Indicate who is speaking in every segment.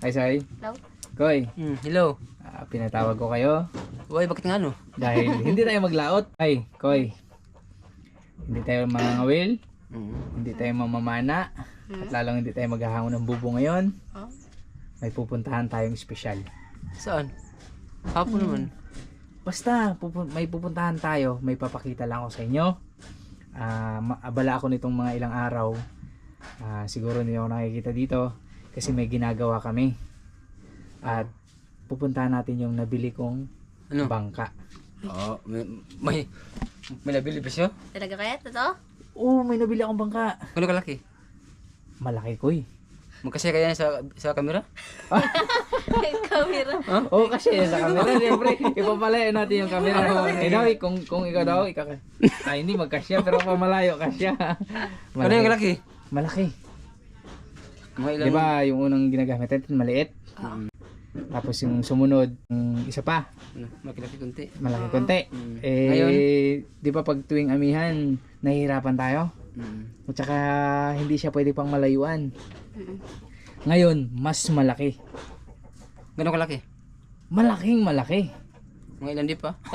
Speaker 1: Hi, Sai.
Speaker 2: Hello?
Speaker 1: Koy,
Speaker 3: Hello.
Speaker 1: pinatawag ko kayo
Speaker 3: Uy, bakit nga no?
Speaker 1: dahil hindi tayo maglaot. Ay, Koy. Hindi tayo mangangawil, hindi tayo mamamana, at lalong hindi tayo maghahangon ng bubo ngayon.
Speaker 2: Oh?
Speaker 1: May pupuntahan tayong espesyal.
Speaker 3: Saan? Hapon naman.
Speaker 1: Basta, may pupuntahan tayo, may papakita lang ako sa inyo. Abala ako nitong mga ilang araw. Siguro hindi ako nakikita dito kasi may ginagawa kami. At pupuntahan natin yung nabili kong
Speaker 3: Ano?
Speaker 1: bangka.
Speaker 3: Oo, may nabili ba siya?
Speaker 2: Talaga kaya? Totoo?
Speaker 1: Oo, may nabili akong bangka.
Speaker 3: Ano kalaki?
Speaker 1: Malaki ko eh.
Speaker 3: Magkasya kaya sa camera?
Speaker 2: Camera.
Speaker 1: Oo, kasi sa camera, siyempre, ipapalayo natin yung camera. Daw, kung ikaw daw, hindi magkasya, pero pamalayo kasya.
Speaker 3: Ano yung kalaki?
Speaker 1: Malaki.
Speaker 3: Mga ilang...
Speaker 1: Diba, yung unang ginagamit natin, maliit. Tapos yung sumunod, isa pa,
Speaker 3: Ano, makilaki kunti.
Speaker 1: malaki konti.
Speaker 3: Ngayon?
Speaker 1: Di ba pag tuwing amihan, nahihirapan tayo? At saka, hindi siya pwede pang malayuan. Ngayon, mas malaki.
Speaker 3: Gano'ng kalaki?
Speaker 1: Malaking malaki.
Speaker 3: Mga ilan di pa?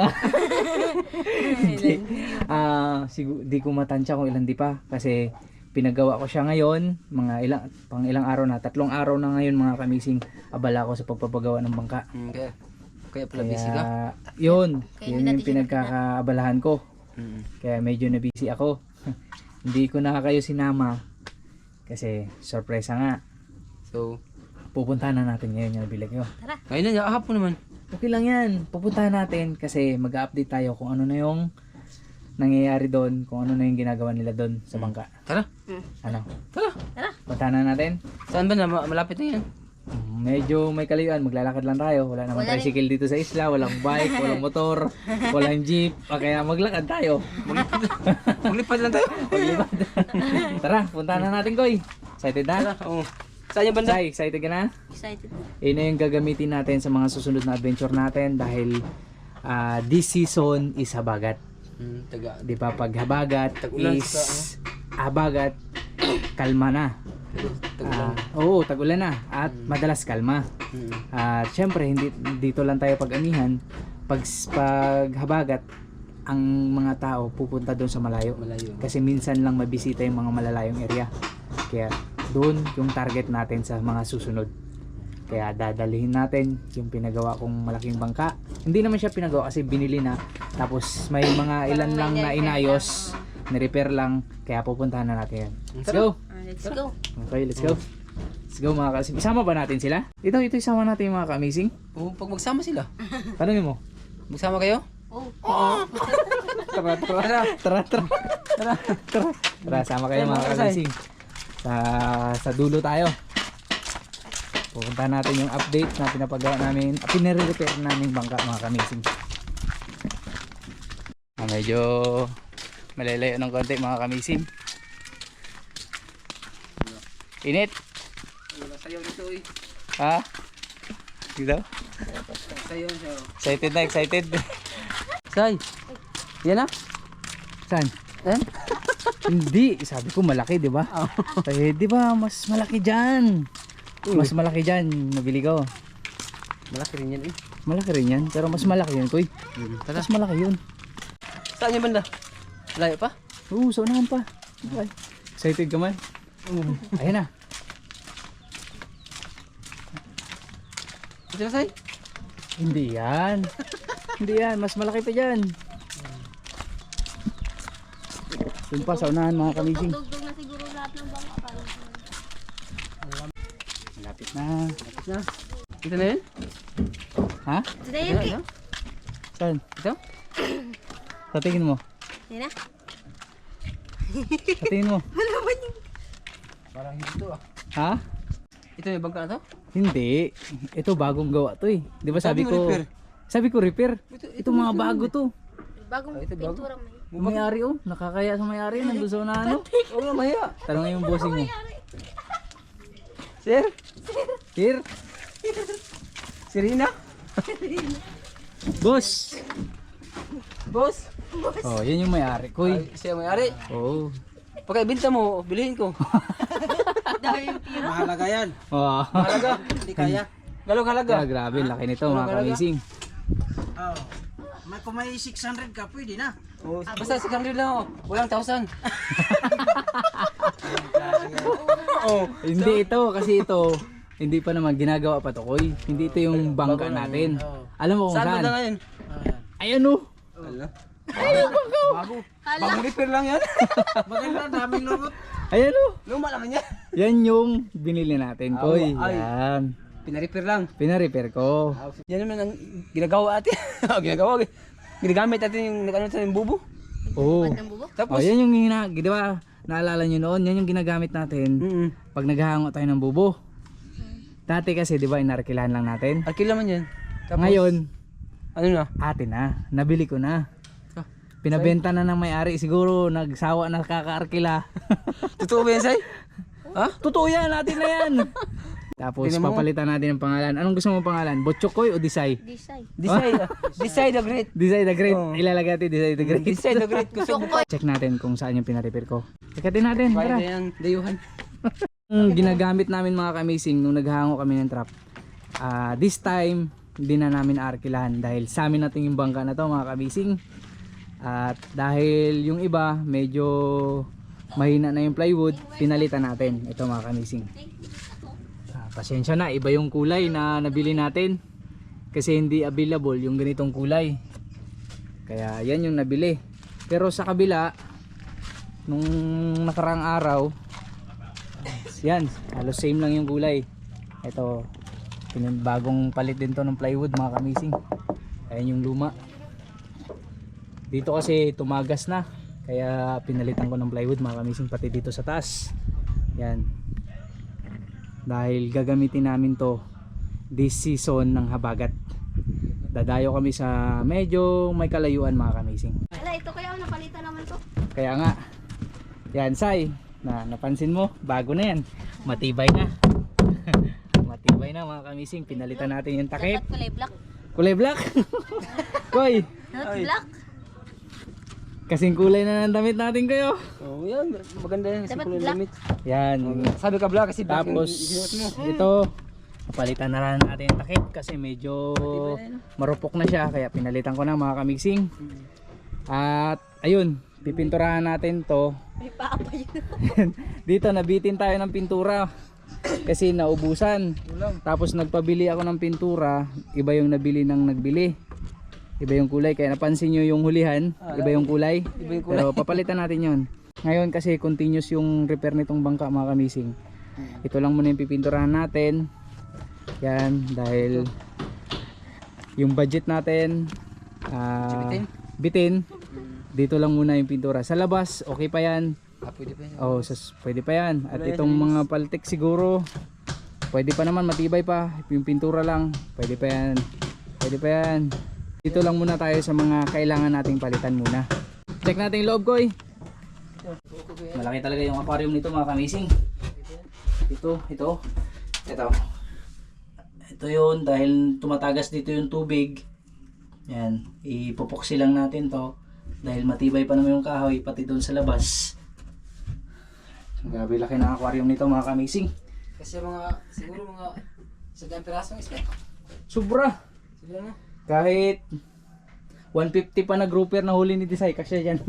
Speaker 1: Di ko matansya kung ilan di pa kasi pinagawa ko siya ngayon pang ilang araw na, 3 araw na ngayon mga kamising, abala ko sa pagpapagawa ng bangka.
Speaker 3: Kaya pala busy ka?
Speaker 1: Yun
Speaker 2: Kaya
Speaker 1: yun
Speaker 2: hindi
Speaker 1: yung
Speaker 2: natin
Speaker 1: pinagkakaabalahan ko, kaya medyo na busy ako. Hindi ko na kayo sinama kasi sorpresa nga.
Speaker 3: So,
Speaker 1: Pupuntahan na natin ngayon yung nabili ko.
Speaker 3: ngayon na, hapon naman.
Speaker 1: Okay lang yan, pupuntahan natin kasi mag-update tayo kung ano na yung nangyayari doon, kung ano na yung ginagawa nila doon sa bangka.
Speaker 3: Tara.
Speaker 1: Ano?
Speaker 3: Tara.
Speaker 1: Puntahan na natin.
Speaker 3: Saan ba na? Malapit na yan.
Speaker 1: Medyo may kalayuan, maglalakad lang tayo. Wala namang
Speaker 2: Wala
Speaker 1: tricycle dito sa isla, walang bike, walang motor, walang jeep. Kaya maglakad tayo.
Speaker 3: Maglipad lang tayo.
Speaker 1: Maglipad. Tara, puntahan na natin, Koy. Excited na?
Speaker 3: Oo. Saan yung banda?
Speaker 1: Sai, excited ka na?
Speaker 2: Excited.
Speaker 1: Yun na yung gagamitin natin sa mga susunod na adventure natin dahil this season is habagat.
Speaker 3: Taga.
Speaker 1: Di ba pag habagat
Speaker 3: Tag-ulan
Speaker 1: is
Speaker 3: sa
Speaker 1: habagat, kalma na.
Speaker 3: Tagulan.
Speaker 1: Oo, tag-ulan na at madalas kalma. At syempre hindi dito lang tayo pag-amihan. Pag habagat, ang mga tao pupunta doon sa malayo.
Speaker 3: Malayo.
Speaker 1: Kasi minsan lang mabisita yung mga malalayong area. Kaya doon yung target natin sa mga susunod. Kaya dadalhin natin yung pinagawa kong malaking bangka. Hindi naman siya pinagawa kasi binili na. Tapos may mga ilan lang na inayos, ni-repair lang. Kaya pupuntahan na natin yan. Let's go!
Speaker 2: Let's go.
Speaker 1: Okay, let's go. Let's go mga ka-amazing. Isama ba natin sila? Ito isama natin yung mga ka-amazing.
Speaker 3: Oo, pag magsama sila.
Speaker 1: Tanungin mo.
Speaker 3: Magsama kayo?
Speaker 2: Oh.
Speaker 1: Tara, sama kayo mga ka-amazing. Sa dulo tayo. Pupuntahan natin yung update na pinapagawa namin, pinare-repair namin bangka mga ka-amazing. Medyo malalayo ng konti mga ka-amazing. Init?
Speaker 3: Wala sayaw dito eh.
Speaker 1: Ha? Dito?
Speaker 3: Sayaw siya.
Speaker 1: Excited na, excited.
Speaker 3: Say. Yan na?
Speaker 1: Saan?
Speaker 3: Eh?
Speaker 1: Hindi, sabi ko malaki, 'di ba? Eh, 'di ba, mas malaki diyan. Mas malaki diyan, nabili ko.
Speaker 3: Malaki rin yan eh.
Speaker 1: Malaki rin 'yan, pero mas malaki 'yan, Koy.
Speaker 3: Tara.
Speaker 1: Mas malaki 'yun.
Speaker 3: Saan yung banda? Layo pa?
Speaker 1: Oo, sa unahan pa. Okay. Excited ka man? Ayun na.
Speaker 3: Ito na, Say.
Speaker 1: Hindi 'yan. Hindi 'yan, mas malaki pa diyan. Doon pa sa unahan mga kamising.
Speaker 2: Dugdug na siguro lahat ng bangka.
Speaker 1: Malapit na.
Speaker 3: Tapos na. Ito na yun?
Speaker 1: Ha?
Speaker 2: Ito na yun, Ki.
Speaker 1: Saan?
Speaker 3: Ito?
Speaker 1: Sa tingin mo?
Speaker 2: Yan na.
Speaker 1: Sa tingin mo?
Speaker 3: Parang hindi ito ah.
Speaker 1: Ha?
Speaker 3: Ito yung bangka na to?
Speaker 1: Hindi. Ito bagong gawa to eh. 'Di ba sabi
Speaker 3: Sabi mo
Speaker 1: ko?
Speaker 3: repair.
Speaker 1: Sabi ko repair.
Speaker 3: Ito
Speaker 1: Ito mga bago to.
Speaker 2: Bagong
Speaker 3: ito bago.
Speaker 2: pintura may.
Speaker 1: Yung may-ari oh, nakakaya sa may-ari nandun sa unahan oh.
Speaker 3: Oo nga, maya.
Speaker 1: Tanongin yung bossing mo.
Speaker 3: Sir?
Speaker 1: Here,
Speaker 3: Serena?
Speaker 1: boss.
Speaker 3: Boss?
Speaker 1: Oh, yan yung may-ari ko eh.
Speaker 3: Ay, siya may-ari.
Speaker 1: Oh.
Speaker 3: Pagkaibinta mo, bilhin ko.
Speaker 2: Dahil yung pira.
Speaker 4: mahalaga yan.
Speaker 1: Oh.
Speaker 3: Halaga.
Speaker 4: Hindi kaya.
Speaker 3: Galong halaga.
Speaker 1: Ah, grabe, laki nito mga kamising.
Speaker 4: Oh. Kung may 600 ka, pwede na.
Speaker 3: Oh, basta 600 lang oh. Walang 1,000. Oh.
Speaker 1: Hindi ito, kasi ito, hindi pa naman ginagawa pa to, Koy. Hindi ito yung bangka natin. Alam mo kung
Speaker 3: Saan ba
Speaker 1: saan?
Speaker 3: na ngayon?
Speaker 1: Ayan o.
Speaker 3: Ala.
Speaker 4: Bago.
Speaker 3: Bagong repair lang yan.
Speaker 4: Maganda, daming lurot.
Speaker 1: Ayan o.
Speaker 3: Luma naman yan.
Speaker 1: Yan yung binili natin, Koy.
Speaker 3: Ay.
Speaker 1: Yan.
Speaker 3: Pina-repair lang.
Speaker 1: Pina-repair ko.
Speaker 3: Yan naman ang ginagawa atin. Ginagawa. Ginagamit natin yung ano sa yung bubo.
Speaker 1: Oo.
Speaker 2: Ba't ng bubo?
Speaker 1: Oh, yan yung di ba? Naalala nyo noon, yan yung ginagamit natin pag naghahango tayo ng bubo. Dati kasi, di ba, inarkilahan lang natin.
Speaker 3: Arkila man yan. Tapos,
Speaker 1: Ngayon,
Speaker 3: ano na?
Speaker 1: atin na. Nabili ko na.
Speaker 3: Ah,
Speaker 1: Pinabenta na ng may-ari. Siguro, nagsawa na kakaarkila.
Speaker 3: Totoo ba yan, Say? Ha?
Speaker 1: Totoo yan, atin na yan. Tapos,
Speaker 3: Tingnan mo.
Speaker 1: papalitan natin ng pangalan. Anong gusto mong pangalan? Botchokoy o Disay?
Speaker 2: Disay.
Speaker 3: Decide. Decide the great.
Speaker 1: Disay the Great.
Speaker 3: Oo.
Speaker 1: Ilalagay natin Disay the Great.
Speaker 3: Decide the great. Gusto mo.
Speaker 1: Check natin kung saan yung pina-repair ko. Checkatin natin,
Speaker 3: Kaya
Speaker 1: tara.
Speaker 3: na yan. Dayuhan.
Speaker 1: Yung ginagamit namin mga kamising nung naghango kami ng trap. This time, hindi na namin arkilahan dahil sa amin natin yung bangka na to mga kamising. At dahil yung iba medyo mahina na yung plywood, pinalitan natin. Ito mga kamising. Pasensya na, iba yung kulay na nabili natin. Kasi hindi available yung ganitong kulay. Kaya yan yung nabili. Pero sa kabila, nung nakarang araw, yan, halos same lang yung kulay. Ito, bagong palit din to ng plywood mga kamising. Ayan yung luma. Dito kasi tumagas na, kaya pinalitan ko ng plywood mga kamising, pati dito sa taas. Yan, dahil gagamitin namin to this season ng habagat. Dadayo kami sa medyo may kalayuan mga kamising.
Speaker 2: Ala, ito kaya napalitan naman to.
Speaker 1: Kaya nga, yan Sai, napansin mo, bago na yan, matibay na. Matibay na mga kamising, pinalitan natin yung takip.
Speaker 2: Dapat kulay black.
Speaker 1: Kulay black. Koy,
Speaker 2: Dapat black.
Speaker 1: kasing kulay na ng damit natin kayo.
Speaker 3: Oh, yan. Maganda yan.
Speaker 2: Dapat
Speaker 3: Simple
Speaker 2: black.
Speaker 3: limit.
Speaker 1: Yan,
Speaker 3: Sabi ka black kasi black yung
Speaker 1: tapos
Speaker 3: isinuot mo.
Speaker 1: ito, napalitan na lang natin yung takip kasi medyo marupok na siya, kaya pinalitan ko na mga kamising. At ayun, pipinturahan natin to.
Speaker 2: May paa pa yun.
Speaker 1: Dito nabitin tayo ng pintura kasi naubusan. Tapos nagpabili ako ng pintura, iba yung nabili ng nagbili. Iba yung kulay, kaya napansin nyo yung hulihan, iba yung kulay.
Speaker 3: Iba yung kulay.
Speaker 1: Pero papalitan natin yon. Ngayon kasi continuous yung repair nitong bangka mga kamising. Ito lang muna yung pipinturahan natin. Yan, dahil yung budget natin bitin. Dito lang muna yung pintura. Sa labas, okay pa yan.
Speaker 3: Pwede pa yan.
Speaker 1: Oh, pwede pa yan. At itong mga paltik siguro, pwede pa naman, matibay pa. Yung pintura lang, pwede pa yan. Pwede pa yan. Dito lang muna tayo sa mga kailangan nating palitan muna. Check natin yung loob, Koy. Malaki talaga yung aquarium nito mga kamising. Ito. Ito yun, dahil tumatagas dito yung tubig. Yan, ipupuksi lang natin to. Dahil matibay pa naman yung kahoy, pati doon sa labas. Grabe laki ng aquarium nito mga kamising.
Speaker 3: Kasi siguro mga sa pirasong isla.
Speaker 1: Sobra.
Speaker 3: Siguro na.
Speaker 1: Kahit 150 pa na grouper na huli ni Disay, kasi yan.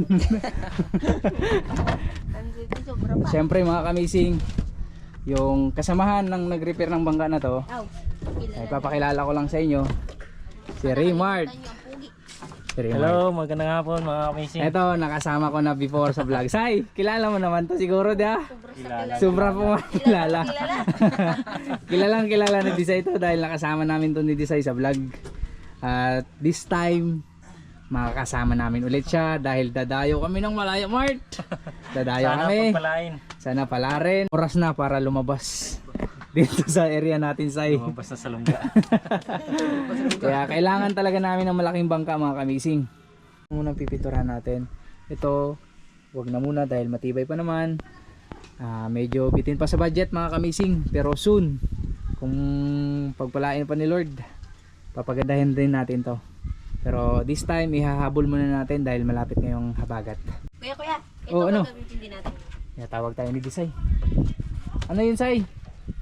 Speaker 2: Nandito, sobra pa.
Speaker 1: Siyempre mga kamising, yung kasamahan ng nag-repair ng bangka na to,
Speaker 2: Aw,
Speaker 1: ay papakilala ko lang sa inyo, si Raymart. Si Raymart.
Speaker 5: Hello, magandang hapon mga amazing.
Speaker 1: Ito, nakasama ko na before sa vlog. Say, kilala mo naman to siguro, di ba? Sobra po makilala. Kilalang kilala ni Disay to dahil nakasama namin to ni Disay sa vlog. At this time, makakasama namin ulit siya dahil dadayo kami ng Malaya Mart. Dadayo
Speaker 5: Sana
Speaker 1: kami.
Speaker 5: pagpalain.
Speaker 1: Sana pala rin. Oras na para lumabas dito sa area natin, Say.
Speaker 5: Lumabas na sa lungga.
Speaker 1: Kaya kailangan talaga namin ng malaking bangka mga kamising. Munang pipinturahan natin. Ito, wag na muna dahil matibay pa naman. Medyo bitin pa sa budget mga kamising. Pero soon, kung pagpalain pa ni Lord, papagandahin din natin to. Pero this time, ihahabol muna natin dahil malapit ngayong habagat.
Speaker 2: Kuya, ito
Speaker 1: Oh, ano?
Speaker 2: gagamitin din natin.
Speaker 1: Kaya tawag tayo ni Disay. Ano yun, Say?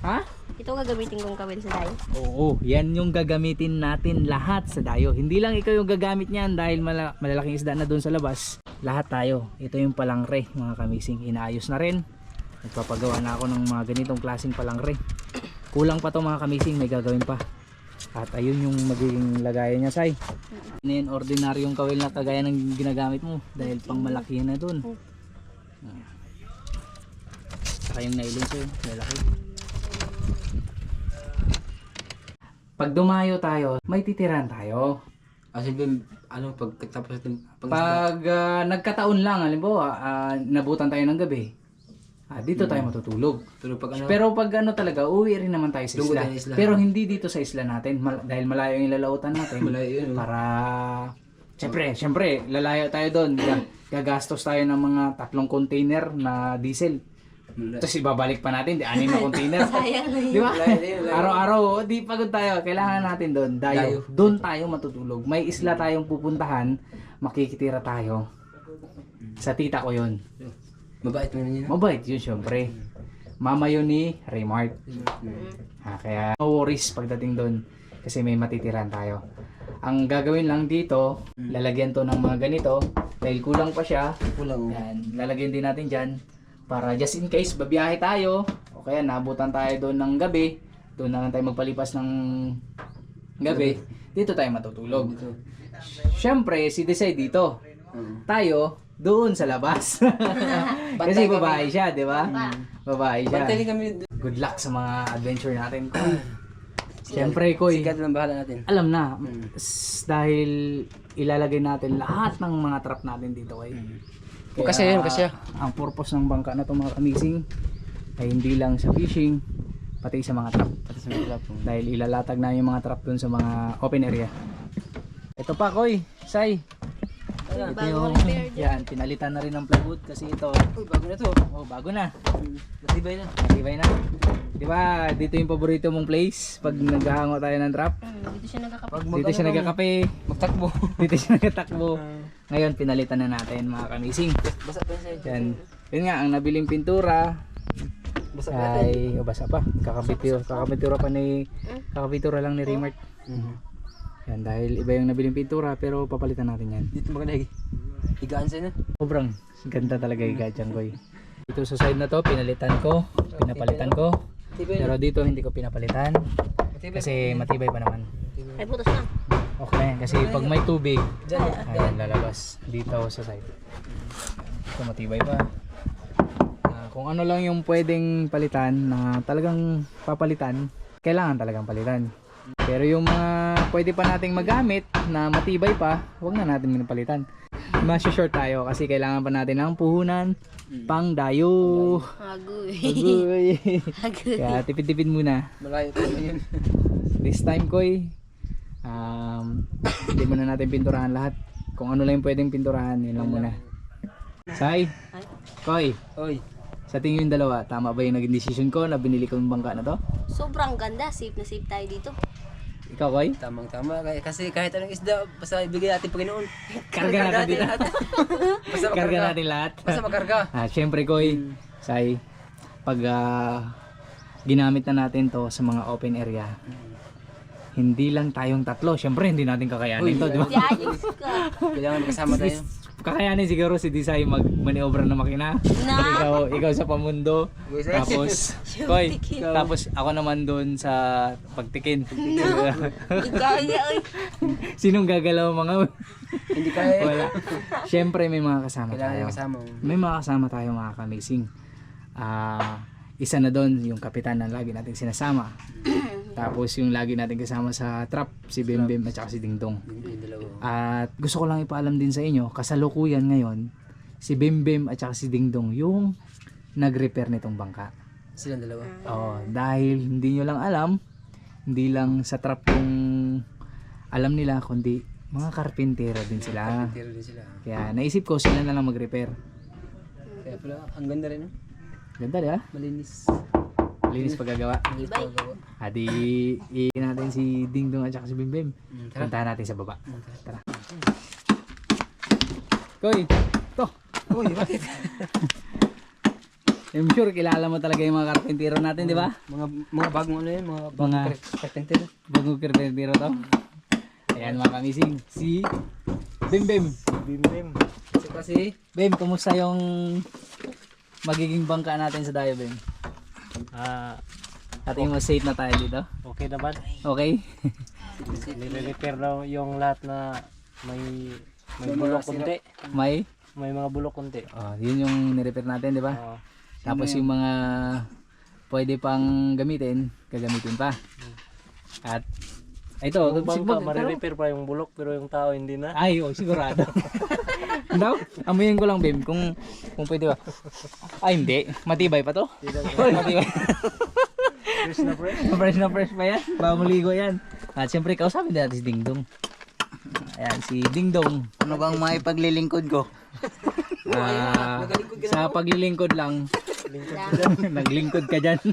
Speaker 1: Ha?
Speaker 2: Ito gagamitin kong kawil sa dayo.
Speaker 1: Oo, yan yung gagamitin natin lahat sa dayo. Hindi lang ikaw yung gagamit niyan dahil malalaking isda na doon sa labas. Lahat tayo. Ito yung palangre, mga kamising. Inaayos na rin. Nagpapagawa na ako ng mga ganitong klaseng palangre. Kulang pa to mga kamising, may gagawin pa. At ayun yung magiging lagayan niya, Sai. Ano yun, ordinaryong kawil na kagaya ng ginagamit mo dahil pang malaki na doon. Saka yung nailin ko yun, malaki. Pag dumayo tayo, may titiran tayo.
Speaker 3: Kasi ano, pagkatapos natin,
Speaker 1: Pag nagkataon lang, halimbawa, nabutan tayo ng gabi, dito tayo matutulog.
Speaker 3: pero pag ano,
Speaker 1: Pero pag ano talaga, uwi rin naman tayo sa
Speaker 3: Lungkot
Speaker 1: isla.
Speaker 3: tayo sa isla.
Speaker 1: Pero hindi dito sa isla natin, dahil malayo yung ilalautan natin.
Speaker 3: malayo yun.
Speaker 1: Para, syempre, lalayo tayo doon. Gagastos tayo ng mga 3 container na diesel. Tapos ibabalik pa natin, 6 na container.
Speaker 2: Sayang na yun.
Speaker 1: Di ba? Araw-araw, di pagod tayo. Kailangan natin doon. Dayo. Doon tayo matutulog. May isla tayong pupuntahan. Makikitira tayo. Sa tita ko yun.
Speaker 3: Mabait mo yun.
Speaker 1: Mabait yun syempre. Mama yun ni Raymart. Kaya no worries pagdating doon. Kasi may matitiran tayo. Ang gagawin lang dito, lalagyan to ng mga ganito. Dahil kulang pa siya.
Speaker 3: Kulang.
Speaker 1: Yan, lalagyan din natin dyan. Para just in case babiyahe tayo o kaya nabutan tayo doon ng gabi, doon na lang tayo magpalipas ng gabi, dito tayo matutulog. Syempre, si Desai dito. Tayo doon sa labas. Kasi babae siya, di ba? Babae siya.
Speaker 3: Bantay kami.
Speaker 1: Good luck sa mga adventure natin. Syempre, Koy,
Speaker 3: Sikat lang bahala natin.
Speaker 1: alam na, dahil ilalagay natin lahat ng mga trap natin dito, Koy.
Speaker 3: Kasi yun, kasi.
Speaker 1: Ang purpose ng bangka na to mga kamising ay hindi lang sa fishing, pati sa mga trap. Dahil ilalatag na yung mga trap dun sa mga open area. Ito pa, Koy, Sai. Ito
Speaker 2: Bagong
Speaker 1: yung,
Speaker 2: repair dyan.
Speaker 1: yan, pinalitan na rin ng plywood kasi ito.
Speaker 3: Uy, bago na to.
Speaker 1: Oh, bago na.
Speaker 3: Matibay na.
Speaker 1: Matibay na. Di ba, dito yung paborito mong place pag naghahango tayo ng trap.
Speaker 2: Dito siya nagkakapit.
Speaker 1: Dito siya nagkakape.
Speaker 3: Magtakbo.
Speaker 1: Dito siya nagtatakbo. Ngayon, pinalitan na natin mga kamising.
Speaker 3: Basa pa yun sa'yo.
Speaker 1: Yan. Yun nga, ang nabiling pintura
Speaker 3: Basa pa natin.
Speaker 1: ay basa pa. Kakapitura lang ni Raymart. Yan, dahil iba yung nabiling pintura pero papalitan natin yan.
Speaker 3: Dito maganda. Higaan sa'yo na.
Speaker 1: Sobrang ganda talaga yung gadyang koy. Dito sa side na to, pinapalitan ko. Pero dito hindi ko pinapalitan kasi matibay pa naman.
Speaker 2: Ay, butas na.
Speaker 1: Okay na yan, kasi pag may tubig, ayan, lalabas dito sa side. Ito matibay pa. Kung ano lang yung pwedeng palitan na talagang papalitan, kailangan talagang palitan. Pero yung mga pwede pa nating magamit na matibay pa, huwag na natin pinapalitan. Mas-short tayo kasi kailangan pa natin ng puhunan pang dayo.
Speaker 2: Agoy.
Speaker 1: Agoy.
Speaker 2: Agoy.
Speaker 1: Kaya tipid-tipid muna.
Speaker 3: Malayo pa yun.
Speaker 1: This time, Koy, hindi muna natin pinturahan lahat. Kung ano lang yung pwedeng pinturahan, yun lang muna. Sai, Koy,
Speaker 3: Oy.
Speaker 1: sa tingin yung dalawa, tama ba yung naging decision ko na binili ko yung bangka na to?
Speaker 2: Sobrang ganda. Safe na safe tayo dito.
Speaker 1: Ikaw, Koy?
Speaker 3: Tamang-tama. Kasi kahit anong isda, basta ibigay natin Panginoon.
Speaker 1: Karga natin dito.
Speaker 3: Basta
Speaker 1: Karga
Speaker 3: makarga.
Speaker 1: natin lahat.
Speaker 3: Basta makarga.
Speaker 1: Syempre, Koy, Sai, pag ginamit na natin to sa mga open area, hindi lang tayong tatlo. Syempre, hindi natin kakayanin to, di ba?
Speaker 2: Di ayos ka.
Speaker 3: Kailangan kasama tayo.
Speaker 1: Kakayanin siguro si Desai mag-maniobra ng makina.
Speaker 2: Na.
Speaker 1: Ikaw sa pamundo. Tapos, Koy,
Speaker 2: Ikaw.
Speaker 1: tapos ako naman doon sa pagtikin.
Speaker 2: Ikaw ay.
Speaker 1: Sinong gagalaw mga
Speaker 3: Hindi kaya.
Speaker 1: wala. Syempre may mga kasama
Speaker 3: Kailangan
Speaker 1: tayo.
Speaker 3: yung kasama.
Speaker 1: May mga kasama tayo mga kamising. Isa na doon yung kapitan na lagi nating sinasama. Tapos yung lagi natin kasama sa trap, si Bembem at saka si Dingdong.
Speaker 3: Yung dalawa.
Speaker 1: At gusto ko lang ipaalam din sa inyo, kasalukuyan ngayon, si Bembem at saka si Dingdong yung nag-repair nitong bangka.
Speaker 3: Silang dalawa.
Speaker 1: Dahil hindi nyo lang alam, hindi lang sa trap yung alam nila, kundi mga karpintero din sila.
Speaker 3: Tiro din sila.
Speaker 1: Kaya naisip ko sila na lang mag-repair.
Speaker 3: Kaya pala, ang ganda rin. No?
Speaker 1: Ganda di ba?
Speaker 3: Malinis.
Speaker 1: Linis paggagawa.
Speaker 3: Malinis
Speaker 2: Ibay.
Speaker 3: paggawa.
Speaker 1: Adi, iin natin si Dingdong at saka si Bembem.
Speaker 3: Tara.
Speaker 1: Puntahan natin sa baba.
Speaker 3: Tara.
Speaker 1: Koy, to.
Speaker 3: Uy, bakit? I'm sure kilala mo talaga yung mga karpentero natin, di ba?
Speaker 4: Mga bagong ano yun, mga bagong
Speaker 3: Mga
Speaker 4: carpenter.
Speaker 3: bagong karpentero to. Ayan mga kamising, si Bim Bim.
Speaker 5: Bim.
Speaker 3: Si Bim, kumusta yung magiging bangka natin sa Dayo, Bim? At yung safe na tayo dito.
Speaker 5: Okay naman.
Speaker 3: Okay?
Speaker 5: Nire-repair na yung lahat na may bulok kunti.
Speaker 3: May?
Speaker 5: May mga bulok kunti.
Speaker 3: Yun yung nirepair natin, di ba?
Speaker 5: Oo.
Speaker 3: Tapos yung mga pwede pang gamitin, gagamitin pa. At ito,
Speaker 5: Yung bangka, marirepair pa yung bulok pero yung tao hindi na.
Speaker 3: ay, sigurado. Daw, amuyin ko lang, Bim, kung pwede ba. Ay, hindi. Matibay pa to. Matibay.
Speaker 5: Fresh na fresh.
Speaker 3: Fresh na fresh pa yan. Bago ligo yan. At siyempre, kausapin natin si Ding Dong. Ayan, si Ding Dong.
Speaker 4: Ano bang maipaglilingkod ko?
Speaker 3: Sa paglilingkod lang, naglingkod ka dyan.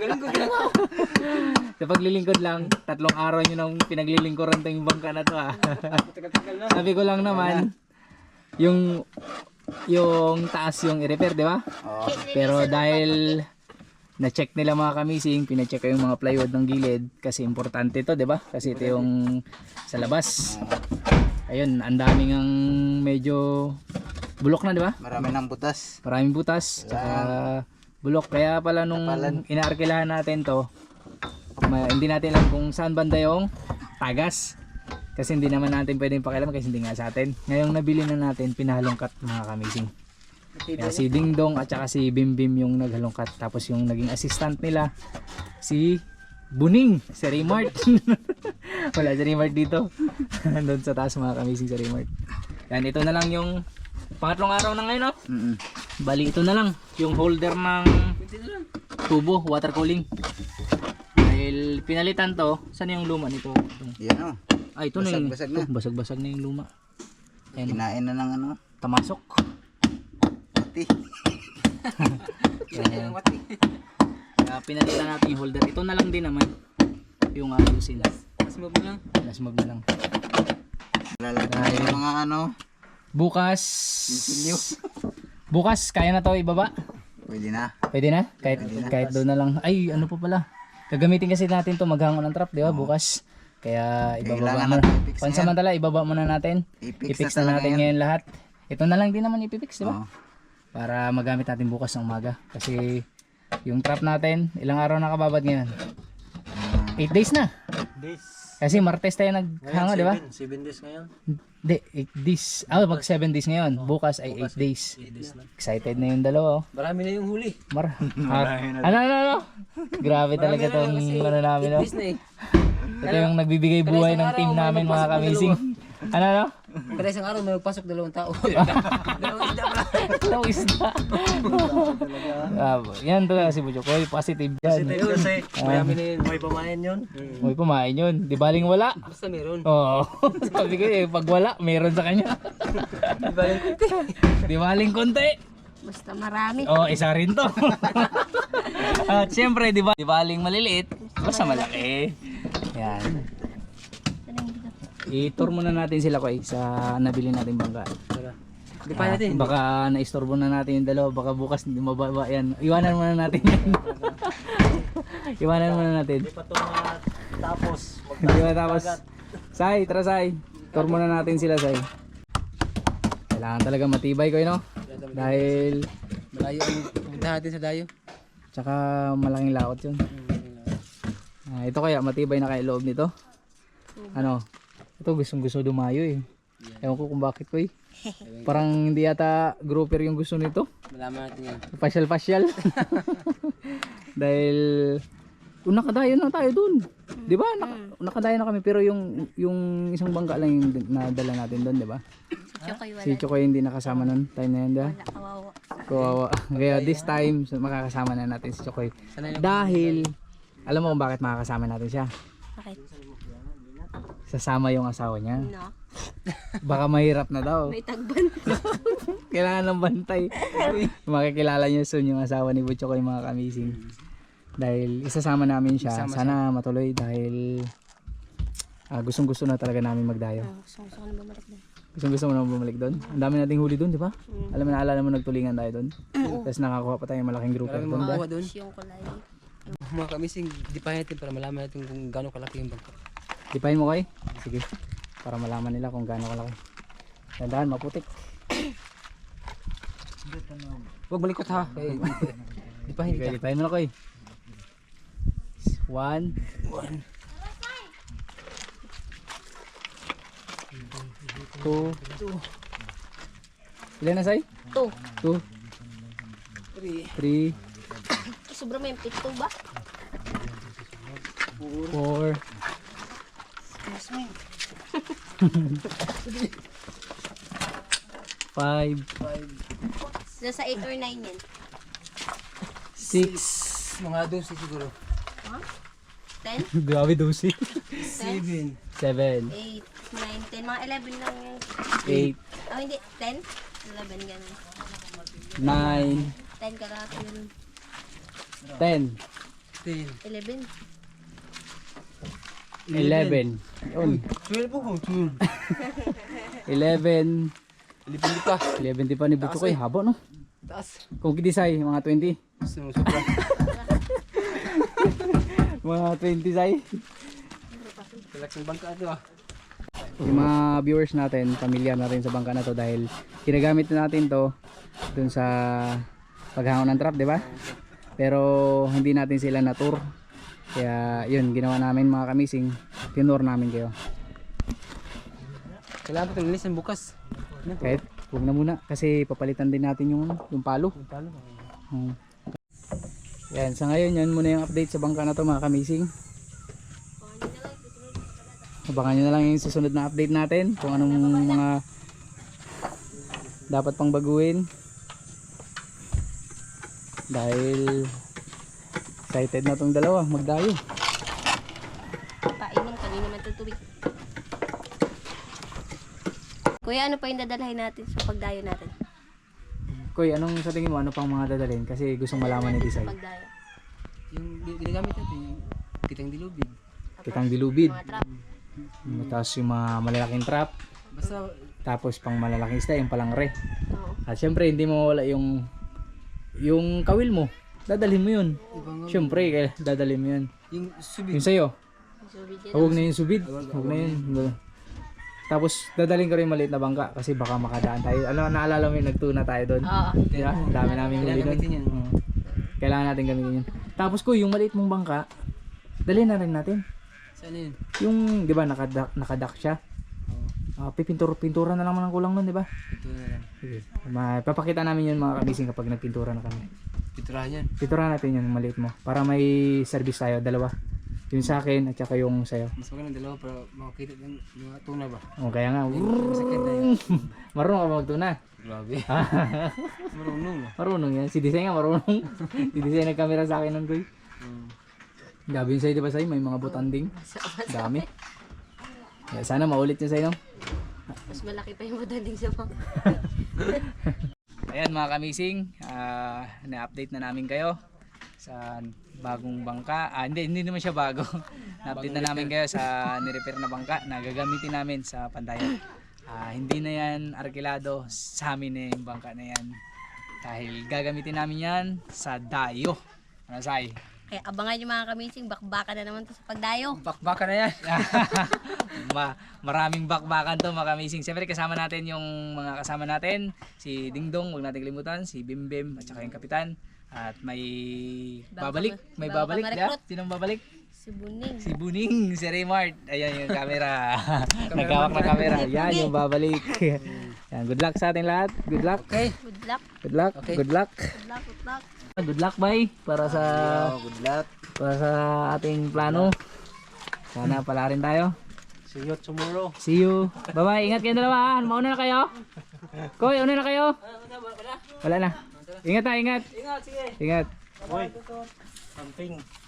Speaker 3: Sa paglilingkod lang, 3 araw nyo nang pinaglilingkuran to yung bangka na to Sabi ko lang naman, yung taas yung i-repair, di ba? Pero dahil na-check nila mga kamising, pina-check ko yung mga plywood ng gilid kasi importante to, di ba? Kasi ito yung sa labas. Ayun, ang daming ang medyo bulok na, di ba?
Speaker 4: Marami ng butas.
Speaker 3: Maraming butas, tsaka bulok. Kaya pala nung inaarkilahan natin to, hindi natin alam kung saan banda yung tagas. Kasi hindi naman natin pwedeng pakialam kasi hindi nga sa atin. Ngayong nabili na natin, pinahalongkat mga kamising. Kaya si Ding Dong at saka si Bim Bim yung naghalongkat. Tapos yung naging assistant nila, si Buning, si Raymart. Wala si Raymart dito. Doon sa taas mga kamising si Raymart. Yan, ito na lang yung pangatlong araw na ngayon, no? Bali, ito na lang yung holder ng tubo, water cooling. Dahil pinalitan to, saan yung luma nito?
Speaker 4: Yan o.
Speaker 3: Ay, ito na yung
Speaker 4: Basag-basag na.
Speaker 3: basag-basag na yung luma. Ayan,
Speaker 4: Kinain na ng ano.
Speaker 3: tamasok.
Speaker 4: Pati.
Speaker 3: Ayan. Kaya pinalitan natin yung holder. Ito na lang din naman yung ayusin. Last move na lang.
Speaker 4: Lalagyan yung mga ano.
Speaker 3: Bukas. Bukas, kaya na to ibaba?
Speaker 4: Pwede na.
Speaker 3: Pwede na? Kahit doon na lang. Ay, ano pa pala. Gagamitin kasi natin to maghangon ng trap, di ba? Bukas. Kaya ibababa
Speaker 4: Kailangan
Speaker 3: mo.
Speaker 4: natin i-fix na
Speaker 3: Pansamantala, ibaba muna natin.
Speaker 4: I-fix
Speaker 3: I-fix na natin
Speaker 4: ngayon.
Speaker 3: ngayon lahat. Ito na lang din naman ipipix, di ba?
Speaker 4: Oo.
Speaker 3: Para magamit natin bukas ng umaga. Kasi yung trap natin, ilang araw nakababad ngayon? 8 days na.
Speaker 5: Days.
Speaker 3: Kasi Martes tayo naghanga, di ba?
Speaker 5: 7 days ngayon.
Speaker 3: Hindi, 8 days. Pag 7 days ngayon. Bukas ay 8 days.
Speaker 5: 8 days na.
Speaker 3: Excited na yung dalawa.
Speaker 4: Marami na yung huli.
Speaker 3: Ano? Grabe talaga tong ano namin, no? Ito yung nagbibigay buhay ng team namin, mga kamising. Ano?
Speaker 4: Kada isang araw may magpasok 2 tao.
Speaker 3: Dalawang isda. Yan talaga si Bujokoy. Positive yan.
Speaker 5: Kasi marami na yun. May pamayan yun.
Speaker 3: May pumain yun. Di baling wala.
Speaker 4: Basta meron.
Speaker 3: Oo. Sabi ko pag wala, meron sa kanya. Di baling konti.
Speaker 2: Basta marami.
Speaker 3: Isa rin to. At syempre, di baling maliliit, basta malaki. Yan. I-tour muna natin sila ko sa nabili natin bangka.
Speaker 4: Di pa natin.
Speaker 3: Baka naistorbo na natin yung dalawa, baka bukas hindi mababa yan. Iwanan muna natin yan. Iwanan muna natin.
Speaker 5: Hindi pa ito tapos.
Speaker 3: Hindi ba tapos? Sai, tara Sai. Tour muna natin sila, Sai. Kailangan talaga matibay ko, no? Dahil
Speaker 4: Malayo ang punta natin sa dayo.
Speaker 3: tsaka malaking laot yun. Ito kaya matibay na kaya loob nito. Ano? Ito gusto dumayo eh. Ewan ko kung bakit ko eh. Parang hindi yata grouper yung gusto nito.
Speaker 4: Malaman natin yan.
Speaker 3: Pasyal. Dahil nakadayo na tayo dun. Di ba? Nakadayo na kami pero yung isang bangka lang yung nadala natin dun, di ba?
Speaker 2: Chokoy wala.
Speaker 3: Si Chokoy hindi nakasama nun. Time na yun, di ba?
Speaker 2: Wala, kawawa.
Speaker 3: Kawawa. Kaya this time, makakasama na natin si Chokoy. Dahil, alam mo kung bakit makakasama natin siya?
Speaker 2: Bakit?
Speaker 3: Sasama yung asawa niya.
Speaker 2: No.
Speaker 3: Baka mahirap na daw.
Speaker 2: May tagban.
Speaker 3: Kailangan ng bantay. Makikilala niyo soon yung asawa ni Butcho ko yung mga kamising. Dahil isasama namin siya. Sana matuloy dahil gustong gusto na talaga namin magdayo.
Speaker 2: Gusto ko na bumalik din.
Speaker 3: Gusto mo naman bumalik doon? Ang dami nating huli doon, di ba? Alam mo, naalala mo nagtulingan tayo doon? Tapos nakakuha pa tayo ng malaking grouper doon.
Speaker 6: Makuha doon.
Speaker 2: Yung kulay.
Speaker 6: Mga kamising, dipahin natin para malaman natin kung gaano kalaki yung bangka.
Speaker 3: Dipahin mo kay? Sige. Para malaman nila kung gaano kalaki. Dandahan, maputik.
Speaker 6: Huwag malikot ha. Dipahin
Speaker 3: Sige,
Speaker 6: kita.
Speaker 3: dipahin mo na kay. 1. 2. Ilan na say?
Speaker 2: 2.
Speaker 3: 2. 3.
Speaker 2: Sobra may pito ba?
Speaker 3: 4.
Speaker 2: Excuse me.
Speaker 3: 5.
Speaker 2: Nasa 8 or 9 yan.
Speaker 3: 6.
Speaker 6: Mga 12 siguro.
Speaker 2: 10,
Speaker 3: Grabe dosi.
Speaker 2: 10,
Speaker 3: 7.
Speaker 2: 8, 9, 10. Mga 11 lang yung...
Speaker 3: 8.
Speaker 2: Oh, hindi. 10, 11 ganun.
Speaker 3: 9.
Speaker 2: 10 kalahati yun.
Speaker 3: 10.
Speaker 2: 11.
Speaker 3: 11. Yun.
Speaker 6: 12 po kung 12.
Speaker 3: 11.
Speaker 6: Lipin pa.
Speaker 3: 11 di pa ni Buto ko eh. Haba no?
Speaker 6: Taas.
Speaker 3: Kung kidisay, mga 20.
Speaker 6: Sobra.
Speaker 3: Mga 20 say.
Speaker 6: Relaxing bangka ito ah.
Speaker 3: Yung mga viewers natin, pamilyar na rin sa bangka na to dahil ginagamit natin to dun sa paghangon ng trap, di ba? Pero hindi natin sila na tour. Kaya yun, ginawa namin mga kamising. Tinur namin kayo.
Speaker 6: Kailangan pa ito ng bukas.
Speaker 3: Kahit huwag na muna kasi papalitan din natin yung palo. Yan, sa ngayon yan muna yung update sa bangka na to mga kamising. Abangan nyo na lang yung susunod na update natin kung anong mga dapat pang baguhin. Dahil excited na tong dalawa magdayo.
Speaker 2: Painom, kanina naman tutubig. Kuya, ano pa yung dadalhin natin sa pagdayo natin?
Speaker 3: Koy, anong sa tingin mo ano pang mga dadalhin kasi gustong malaman ni Desai?
Speaker 2: Pagdayo.
Speaker 6: Yung ginagamit natin, yung kitang dilubid.
Speaker 3: Kitang dilubid.
Speaker 2: Mga trap.
Speaker 3: Tapos yung mga malalaking trap.
Speaker 6: Basta
Speaker 3: Tapos pang malalaking isda yung palangre.
Speaker 2: Oo.
Speaker 3: At syempre hindi mo mawala yung kawil mo. Dadalhin mo yun.
Speaker 6: ibang
Speaker 3: Syempre dadalhin mo yun.
Speaker 6: yung subid.
Speaker 3: Yung sa'yo.
Speaker 2: So, video
Speaker 3: Huwag na yung subid. Huwag na yun. Tapos dadalhin ko rin maliit na bangka kasi baka makadaan tayo. Ano, naalala mo yung nagtuna tayo doon?
Speaker 2: Oo.
Speaker 3: Diba? Ang dami namin huli
Speaker 6: Kailangan
Speaker 3: doon.
Speaker 6: gamitin yan.
Speaker 3: Kailangan natin gamitin yun. Tapos ko yung maliit mong bangka, dalhin na rin natin.
Speaker 6: Saan yun?
Speaker 3: Yung, di ba, nakadak siya. Pintura na lang ang kulang nun, di ba?
Speaker 6: Ito na lang.
Speaker 3: Sige. Papakita namin yun mga kabising kapag nagpintura na kami.
Speaker 6: Piturahan yan.
Speaker 3: Pinturahan natin yun, maliit mo. Para may service tayo, dalawa. Yung sa akin at saka yung sa'yo.
Speaker 6: Mas magandang dalawa para makakita ng mga tuna ba?
Speaker 3: O kaya nga,
Speaker 6: Masakit na yan.
Speaker 3: marunong ka ba magtuna?
Speaker 6: Grabe. Marunong na.
Speaker 3: Marunong yan. Si Desai nga marunong. Si Desai nagkamera sa akin nun, Koy. Gabi yun sa'yo, di ba sa'yo? May mga butanding. Dami. Kaya sana maulit yun sa'yo, no?
Speaker 2: Mas malaki pa yung madaling sa bang.
Speaker 3: Ayan mga kamising, na-update na namin kayo sa bagong bangka. Hindi naman siya bago. Na-update na namin kayo sa nirepair na bangka na gagamitin namin sa Pandayan. Hindi na yan arkilado, sa amin na yung bangka na yan. Dahil gagamitin namin yan sa dayo. Ano say?
Speaker 2: Kaya abangan yung mga kamising, bakbaka na naman to sa pagdayo.
Speaker 6: Bakbaka na yan.
Speaker 3: Maraming bakbakan to mga kamising. Siyempre kasama natin yung mga kasama natin. Si Dingdong, huwag natin kalimutan. Si Bimbim at saka yung kapitan. At may babalik. May
Speaker 2: bago
Speaker 3: babalik.
Speaker 2: pa
Speaker 3: Diba?
Speaker 2: ma-recruit.
Speaker 3: Sinong babalik?
Speaker 2: Si Buning.
Speaker 3: Si Buning, si Raymart. Ayan yung camera. Nagkawak na camera. Yan yung babalik. Yan, good luck sa ating lahat. Good luck.
Speaker 6: Okay.
Speaker 2: Good luck.
Speaker 3: Good luck.
Speaker 6: Okay.
Speaker 3: Good luck.
Speaker 2: Good luck. Good luck.
Speaker 3: Good luck, bye. Para sa
Speaker 6: Good luck.
Speaker 3: ating plano. Sana pala rin tayo.
Speaker 5: See you tomorrow.
Speaker 3: See you. Bye-bye. Ingat kayo dalawa. Mauna na kayo. Koy, una na kayo. Wala na. Ingat na, ingat.
Speaker 6: Ingat, sige.
Speaker 3: Ingat.
Speaker 5: Boy, camping.